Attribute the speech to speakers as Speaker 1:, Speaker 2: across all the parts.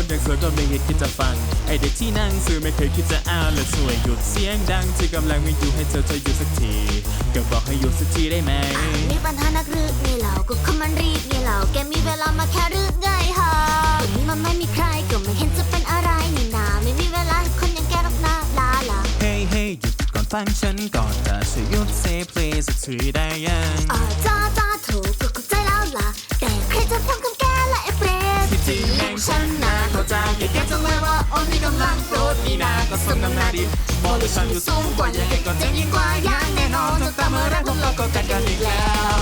Speaker 1: คนอย่างสวยก็ไม่เห็นคิดจะฟังไอเด็กที่นั่งซื้อไม่เคยคิดจะอ้าวและช่วยหยุดเสียงดังที่กำลังไม่อยู่ให้เธอหยุดสักทีก็บอกให้หยุดสักทีได้ไหม
Speaker 2: มีปัญหานักหรือไงเราก็คำมันรีบไงเราแกมีเวลามาแค่หรือไงฮะวันนี้มันไม่มีใครก็ไม่เห็นจะเป็นอะไรนี่นาไม่มีเวลาให้คนอย่างแกหรอกนะลาลา
Speaker 1: เฮ้ยเฮ้ยหยุดก่อนฟังฉันก่อนแต่ช่วยหยุดเซเพลย์สักทีได้ยัง
Speaker 2: จ้าถูกก็เข้าใจแล้วล่ะแต่ใครจะฟังคำแกและไอ้เปรต
Speaker 1: ที่จริงแม่งฉันนะเข้าใจแกจังเลยว่าโอ้นี่กำลังโกรธนี่นาก็สมน้ำหน้าดิบอกเลยฉันอยู่สูงกว่ายังไงก็จะยิ่งกว่าอย่างแน่นอนจนตามเมื่อไรพวกเราก็กัดกันอีกแล้ว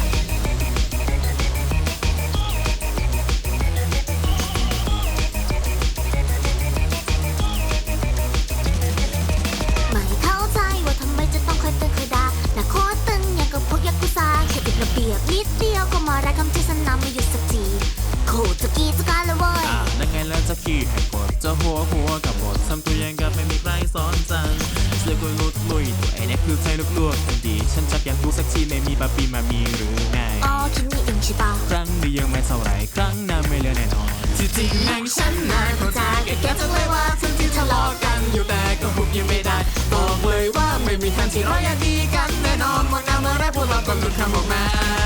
Speaker 2: ไม่เข้าใจว่าทำไมจะต้องคอยเตือนคอยด่าแต่โคตรตึงอย่างกับพวกยักษ์กุซ่าแค่ติดระเบียบนิดเดียวก็มาได้คำที่ฉันนำไม่หยุดสักทีโคตรจะกีจะการเลยเว้ย
Speaker 1: นั่นไงแล้วจะขี้ให้กดจะหัวกับบททำตัวยังกับไม่มีใครสอนจังเสื้อกุลุดลุยตัวไอ้เนี่ยคือใช่ลวกคนดีฉันชักอยากรู้สักทีไม่มีบาปีมามีหรือไง
Speaker 2: คิดนี่เองใช่ปะ
Speaker 1: ครั้งนี้ยังไม่เท่าไรครั้งหน้าไม่เหลือแน่นอนที่จริงแม่งฉันนานเข้าใจแกจังเลยว่าฉันที่ทะเลาะกันอยู่แต่ก็หุบยังไม่ได้บอกเลยว่าไม่มีทางที่เราอยากดีกันแน่นอนวันนั้นเมื่อไรพวกเราก็หลุดคำออกมา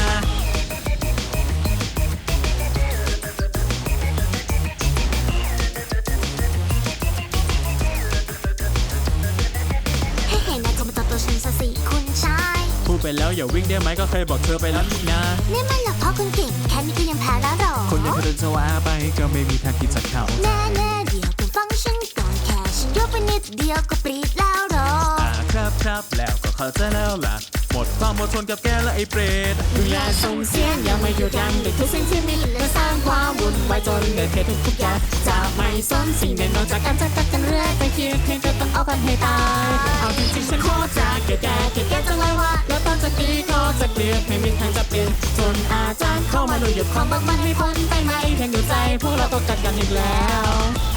Speaker 2: คุณชาย
Speaker 1: พูดไปแล้วอย่าวิ่งได้ไหมก็เคยบอกเธอไปแล้วนี่นะ
Speaker 2: นี่มันหลักพ่อคุณเก่งแค่นี้ก็ยังแพ้แล้วหรอ
Speaker 1: คนอย่างเธอเดินจะว่าไปก็ไม่มีทางที่จะเข้า
Speaker 2: แน่เดี๋ยวคุณฟังฉันก่อนแค่ฉันยกไปนิดเดียวก็ปรีดแล้วหรอ
Speaker 1: ครับแล้วก็เข้าใจแล้วล่ะหมดความอดทนกับแกและไอ้เปรต
Speaker 2: ดูแลส่งเสียงยังไม่หยุดยั้งเด็กทุกสิ่งที่มีและสร้างความวุ่นวายจนเกิดเหตุทุกอย่างจะไม่สนสิ่งใดนอกจากการจัดกันเรื่อยไปคิดเพียงจะต้องเอากันให้ตายเอาจริงๆฉันโคตรจะแก่จังเลยว่าแล้วตอนจากนี้ก็จะเกลียดไม่มีทางจะเปลี่ยนจนอาจารย์เข้ามาดูหยุดความบังมันให้พ้นไปไหมเพียงอยู่ใจพวกเราต้องกัดกันอีกแล้ว